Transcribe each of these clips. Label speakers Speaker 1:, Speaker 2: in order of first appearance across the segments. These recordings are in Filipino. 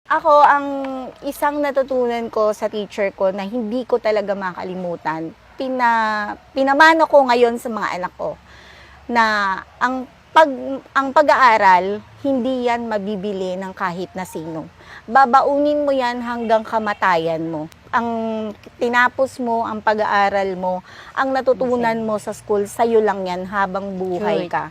Speaker 1: Ako, ang isang natutunan ko sa teacher ko na hindi ko talaga makalimutan, pinamano ko ngayon sa mga anak ko, na ang pag-aaral, hindi yan mabibili ng kahit na sino. Babaunin mo yan hanggang kamatayan mo. Ang tinapos mo, ang pag-aaral mo, ang natutunan mo sa school, sa'yo lang yan habang buhay ka.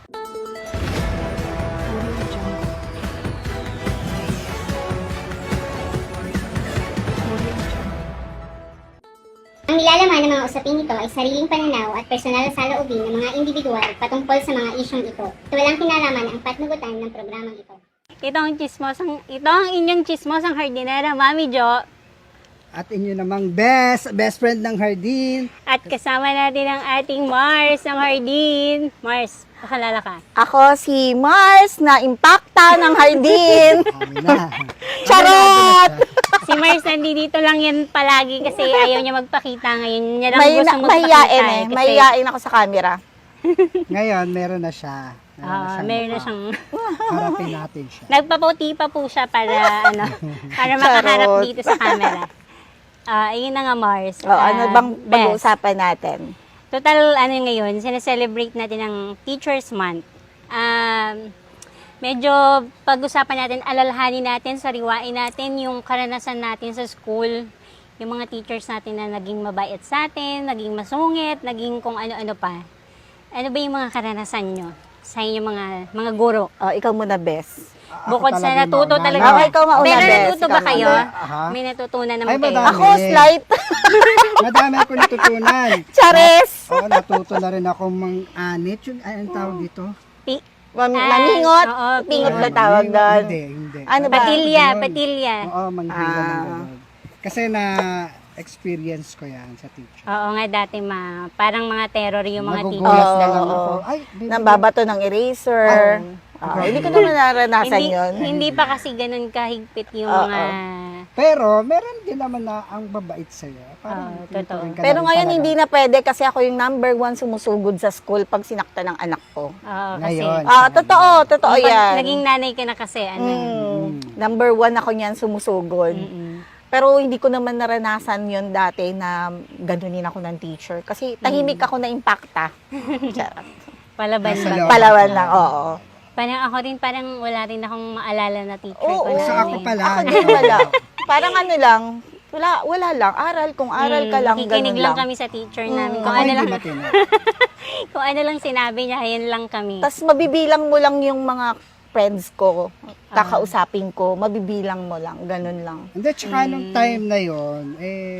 Speaker 2: Ang nilalaman ng mga usaping ito ay sariling pananaw at personal na saloobin ng mga individual patungkol sa mga isyong ito. Ito walang kinalaman ang patnugutan ng programang ito.
Speaker 3: Ito ang inyong chismosang hardinera, Mami Jo.
Speaker 4: At inyo namang best friend ng Hardin.
Speaker 3: At kasama natin ang ating Mars ng Hardin. Mars, pakalala ka.
Speaker 1: Ako si Mars na impacta ng Hardin.
Speaker 4: Kami na.
Speaker 1: Charot!
Speaker 3: Si Mars nandito lang yan palagi kasi ayaw niya magpakita ngayon. Niya lang gusto magpakita.
Speaker 1: Mahiyain
Speaker 3: kasi,
Speaker 1: mahiyain ako sa camera.
Speaker 4: Ngayon, meron na siya.
Speaker 3: meron na
Speaker 4: mukha.
Speaker 3: siyang
Speaker 4: Harapin natin siya.
Speaker 3: nagpaputi pa po siya para para makaharap dito sa camera. Ayun na nga Mars.
Speaker 1: Ano bang
Speaker 3: Best.
Speaker 1: pag-uusapan natin?
Speaker 3: Total, ngayon, sineselebrate natin ang Teacher's Month. Medyo pag-usapan natin, alalahanin natin, sariwain natin yung karanasan natin sa school, yung mga teachers natin na naging mabait sa atin, naging masungit, naging kung ano-ano pa. Ano ba yung mga karanasan nyo sa inyong mga guro?
Speaker 1: Ikaw muna, Bes.
Speaker 3: Bukod sa
Speaker 4: talaga
Speaker 3: natuto
Speaker 4: mauna.
Speaker 3: talaga.
Speaker 1: Ako, ikaw mauna,
Speaker 3: Pero
Speaker 1: Bes.
Speaker 3: natuto ba
Speaker 1: Ikaw
Speaker 3: kayo?
Speaker 4: mauna. Aha.
Speaker 3: May natutunan
Speaker 4: Ay,
Speaker 3: naman kayo.
Speaker 4: madami.
Speaker 1: Ako, slight.
Speaker 4: Madami ako natutunan.
Speaker 1: Chares!
Speaker 4: Oo, natuto na rin ako mang-anit. Yung, anong tawag dito?
Speaker 1: Maningot.
Speaker 3: Oo,
Speaker 1: Pingot
Speaker 4: Ah,
Speaker 1: na tawag doon.
Speaker 4: Hindi.
Speaker 1: Ano ba?
Speaker 3: Patilya.
Speaker 4: Oo, manghila ng
Speaker 1: Ah.
Speaker 4: ganun. Kasi na-experience ko yan sa teacher.
Speaker 3: Oo nga dati parang mga terror yung mga
Speaker 4: Nagugulat
Speaker 3: teachers.
Speaker 4: na lang
Speaker 1: Oo.
Speaker 4: ako. Ay,
Speaker 1: Nambabato ng eraser. Hindi ko naman naranasan yun.
Speaker 3: Hindi pa kasi ganun kahigpit yung
Speaker 1: Oo.
Speaker 3: mga...
Speaker 4: Pero, meron din naman na ang babait sa'yo. Parang
Speaker 3: totoo.
Speaker 4: tinuturing ka
Speaker 1: Pero
Speaker 4: na rin
Speaker 1: ngayon
Speaker 4: talaga.
Speaker 1: hindi na pwede kasi ako yung number 1 sumusugod sa school pag sinakta ng anak ko.
Speaker 3: Kasi
Speaker 4: Ngayon.
Speaker 1: Totoo
Speaker 3: pag
Speaker 1: yan.
Speaker 3: naging nanay ka na kasi,
Speaker 1: Number 1 ako niyan sumusugod. Pero hindi ko naman naranasan yon dati na ganunin ako ng teacher. Kasi tahimik ako na impacta. Charot.
Speaker 3: palaban
Speaker 4: Nasa
Speaker 3: ba?
Speaker 4: loob.
Speaker 1: Palawan lang, oo.
Speaker 3: Parang ako rin, parang wala rin akong maalala na teacher
Speaker 1: Oo,
Speaker 3: ko na.
Speaker 4: So, ako pala.
Speaker 1: Ako din wala. Parang ano lang, wala lang. Aral, kung aral ka lang,
Speaker 3: Nakikinig
Speaker 1: ganun
Speaker 3: lang
Speaker 1: lang.
Speaker 3: kami sa teacher namin.
Speaker 4: Ako
Speaker 3: Kung ano
Speaker 4: hindi
Speaker 3: lang,
Speaker 4: matino.
Speaker 3: kung ano lang sinabi niya, yun lang kami.
Speaker 1: Tapos mabibilang mo lang yung mga friends ko, kakausapin ko, mabibilang mo lang, ganun lang.
Speaker 4: Hindi, tsaka nung time na yon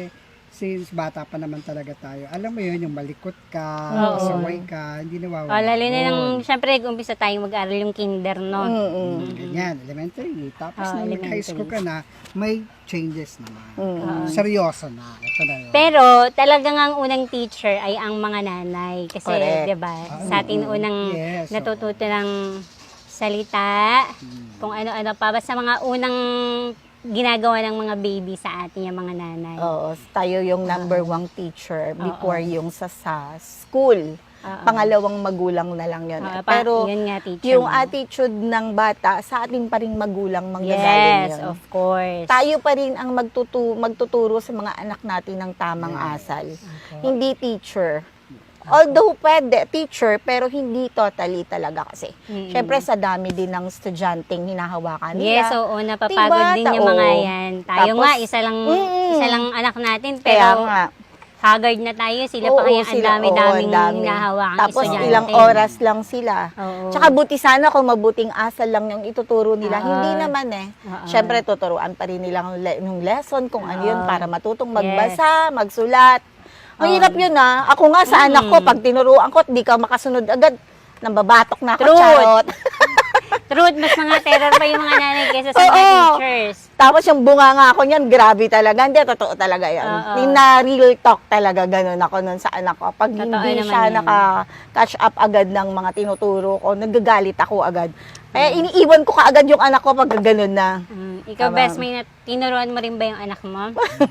Speaker 4: since bata pa naman talaga tayo, alam mo yun, yung malikot ka, pasaway ka, hindi nawawala.
Speaker 3: Lalo na
Speaker 4: yun.
Speaker 3: nang, syempre, umpisa tayong mag-aral yung kinder, no?
Speaker 4: Ganyan, elementary. Tapos nung
Speaker 3: elementary.
Speaker 4: high school ka na, may changes naman. Seryoso na. Ito na yun.
Speaker 3: Pero talagang ang unang teacher ay ang mga nanay. Kasi,
Speaker 1: Correct.
Speaker 3: 'di ba? Sa atin unang
Speaker 4: Yes,
Speaker 3: natututo ng salita, kung ano-ano pa. Basta mga unang ginagawa ng mga baby sa atin yung mga nanay.
Speaker 1: Oo, tayo yung number 1 teacher before yung sa school. Pangalawang magulang na lang yun. Pero
Speaker 3: yun nga, teacher
Speaker 1: yung
Speaker 3: mo.
Speaker 1: attitude ng bata, sa atin pa rin magulang manggagaling
Speaker 3: Yes,
Speaker 1: yun.
Speaker 3: of course.
Speaker 1: Tayo pa rin ang magtuturo sa mga anak natin ng tamang asal. Hindi teacher. Although pwede, teacher, pero hindi totally talaga kasi. Siyempre, sa dami din ng estudyanteng hinahawakan nila.
Speaker 3: Yes, oo, napapagod
Speaker 1: Diba?
Speaker 3: din yung mga yan. Tayo
Speaker 1: Tapos,
Speaker 3: nga, isa lang anak natin,
Speaker 1: Kaya
Speaker 3: pero
Speaker 1: nga.
Speaker 3: haggard na tayo. Sila
Speaker 1: Oo,
Speaker 3: pa kaya ang
Speaker 1: sila,
Speaker 3: dami-daming
Speaker 1: dami.
Speaker 3: hinahawakang
Speaker 1: Tapos
Speaker 3: estudyante.
Speaker 1: ilang oras lang sila.
Speaker 3: Oo.
Speaker 1: Tsaka buti sana kung mabuting asal lang yung ituturo nila. Hindi naman eh. Siyempre, tuturuan pa rin nilang yung lesson kung ano yun para matutong magbasa, magsulat. Mahirap yun ah. Ako nga sa anak ko, pag tinuruan ko at di ka makasunod agad, nambabatok na ako,
Speaker 3: Truth.
Speaker 1: charot.
Speaker 3: Truth, mas mga terror pa yung mga nanay kaysa sa mga
Speaker 1: Oo.
Speaker 3: teachers.
Speaker 1: Tapos yung bunga nga ako niyan, grabe talaga. Hindi, totoo talaga yan. Yung na real talk talaga, ganun ako nun sa anak ko. Pag
Speaker 3: Totoo
Speaker 1: hindi
Speaker 3: naman
Speaker 1: siya
Speaker 3: yan.
Speaker 1: naka-catch up agad ng mga tinuturo ko, nagagalit ako agad. Kaya iniiwan ko kaagad yung anak ko pag ganun na.
Speaker 3: Ikaw, best, tinuruan mo rin ba yung anak mo?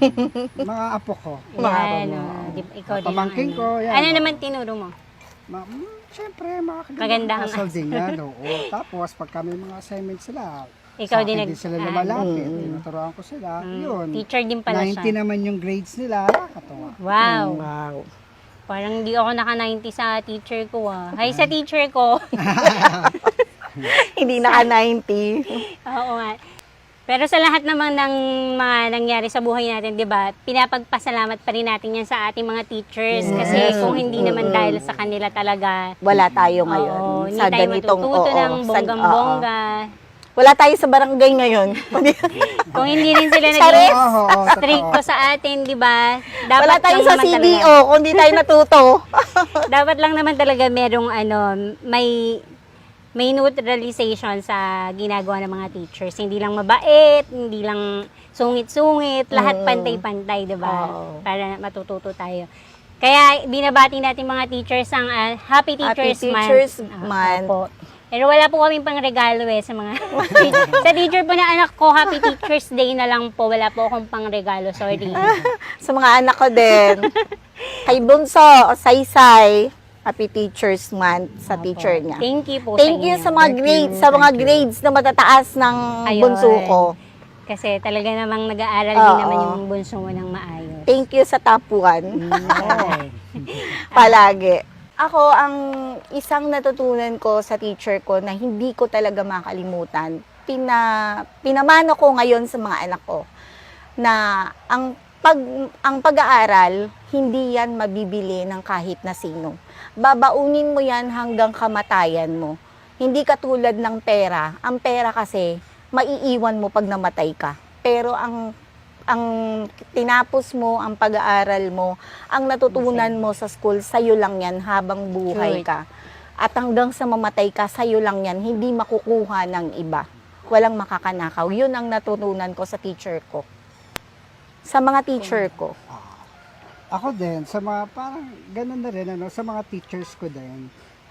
Speaker 4: Mga apo ko.
Speaker 3: Yan, ikaw din.
Speaker 4: Pamangkin ko, yan.
Speaker 3: Ano naman tinuro mo?
Speaker 4: Siyempre, mga
Speaker 3: Magandang
Speaker 4: asal din yan. Oo. Tapos, pag kami mga assignment sila,
Speaker 3: Ikaw
Speaker 4: Sa
Speaker 3: din
Speaker 4: akin din sila lumalapit. Tinuturuan ko sila. Yun.
Speaker 3: Teacher din pala
Speaker 4: 90
Speaker 3: siya.
Speaker 4: naman yung grades nila. Nakakatawa.
Speaker 3: Wow.
Speaker 1: Wow.
Speaker 3: Parang hindi ako naka-90 sa teacher ko ah. Hi sa teacher ko.
Speaker 1: Hindi naka-90.
Speaker 3: Oo nga. Pero sa lahat naman ng mga nangyari sa buhay natin, 'di ba? Pinapagpasalamat pa rin natin 'yan sa ating mga teachers kasi kung hindi naman dahil sa kanila talaga,
Speaker 1: Wala tayo ngayon.
Speaker 3: oo, hindi
Speaker 1: sa
Speaker 3: tayo
Speaker 1: ganitong,
Speaker 3: matututo ng
Speaker 1: oo,
Speaker 3: bonggang-bongga.
Speaker 1: Wala tayo sa barangay ngayon.
Speaker 3: Kung hindi rin sila
Speaker 1: Charis!
Speaker 3: naging
Speaker 4: Oo, totoo.
Speaker 3: stricto sa atin, 'di ba? Dapat
Speaker 1: Wala tayo
Speaker 3: lang
Speaker 1: sa
Speaker 3: naman
Speaker 1: CDO
Speaker 3: talaga-
Speaker 1: kung di tayo natuto.
Speaker 3: Dapat lang naman talaga merong may neutralization sa ginagawa ng mga teachers. Hindi lang mabait, hindi lang sungit-sungit, lahat pantay-pantay, 'di ba?
Speaker 1: Oo.
Speaker 3: Para matututo tayo. Kaya binabati natin mga teachers ang Happy Teachers Month.
Speaker 1: Teachers
Speaker 3: Ah,
Speaker 1: Month.
Speaker 3: opo. Pero wala po kaming pang regalo sa mga sa teacher po na anak ko, Happy Teachers Day na lang po. Wala po akong pang regalo, sorry.
Speaker 1: Sa mga anak ko din. Kay Bunso, Saysay, Happy Teachers Month sa teacher niya.
Speaker 3: Thank you po
Speaker 1: Thank
Speaker 3: sa
Speaker 1: you
Speaker 3: inyo.
Speaker 1: sa mga
Speaker 4: Thank
Speaker 1: grades,
Speaker 4: you,
Speaker 1: sa mga
Speaker 4: thank you.
Speaker 1: grades na matataas ng
Speaker 3: Ayun.
Speaker 1: bunso ko.
Speaker 3: Kasi talaga namang nag-aaral din
Speaker 1: Oo.
Speaker 3: naman yung bunso mo ng maayos.
Speaker 1: Thank you sa tapuan.
Speaker 4: Oo.
Speaker 1: Palagi. Ako, ang isang natutunan ko sa teacher ko na hindi ko talaga makalimutan, pinamano ko ngayon sa mga anak ko na ang pag-aaral, hindi yan mabibili ng kahit na sino. Babaunin mo yan hanggang kamatayan mo. Hindi katulad ng pera. Ang pera kasi, maiiwan mo pag namatay ka. Pero ang tinapos mo, ang pag-aaral mo, ang natutunan mo sa school, sa'yo lang yan habang buhay
Speaker 3: Right.
Speaker 1: ka. At hanggang sa mamatay ka, sa'yo lang yan, hindi makukuha ng iba. Walang makakanakaw. Yun ang natutunan ko sa teacher ko. Sa mga teacher ko.
Speaker 4: Ako din, sa mga, parang ganun na rin, sa mga teachers ko din,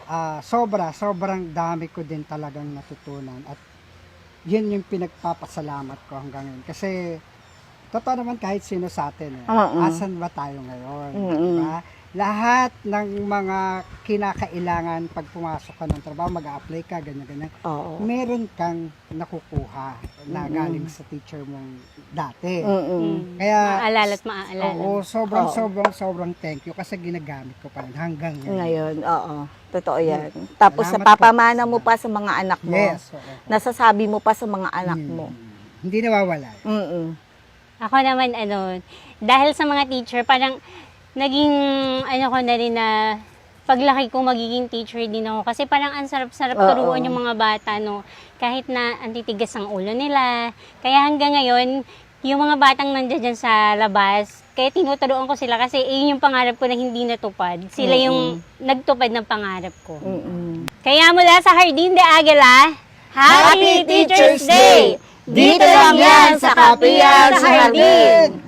Speaker 4: sobrang dami ko din talagang natutunan. At yun yung pinagpapasalamat ko hanggang ngayon. Kasi, totoo naman kahit sino sa atin, asan ba tayo ngayon? Diba? Lahat ng mga kinakailangan pag pumasok ka ng trabaho, mag-a-apply ka, ganyan-ganyan,
Speaker 1: Oo.
Speaker 4: meron kang nakukuha na galing sa teacher mong dati. Kaya,
Speaker 3: Maaalala at maaalala.
Speaker 4: oo, sobrang thank you kasi ginagamit ko pa rin hanggang ngayon.
Speaker 1: Ngayon, oo. Totoo yan. Tapos
Speaker 4: Salamat
Speaker 1: napapamana
Speaker 4: po.
Speaker 1: mo pa sa mga anak mo.
Speaker 4: Yes, oo.
Speaker 1: Nasasabi mo pa sa mga anak mo.
Speaker 4: Hindi nawawala.
Speaker 1: Mm-mm.
Speaker 3: Ako naman, dahil sa mga teacher, parang naging, ko na rin na paglaki ko magiging teacher din ako. Kasi parang ang sarap-sarap
Speaker 1: Oo.
Speaker 3: turuan yung mga bata, no? Kahit na antitigas ang ulo nila. Kaya hanggang ngayon, yung mga batang nandiyan dyan sa labas, kaya tinuturuan ko sila kasi yun yung pangarap ko na hindi natupad. Sila yung nagtupad ng pangarap ko.
Speaker 1: Mm-mm.
Speaker 3: Kaya mula sa Jardín de Águila, Happy Teacher's Day!
Speaker 1: Dito lang yan sa Kapiyan sa Hardin!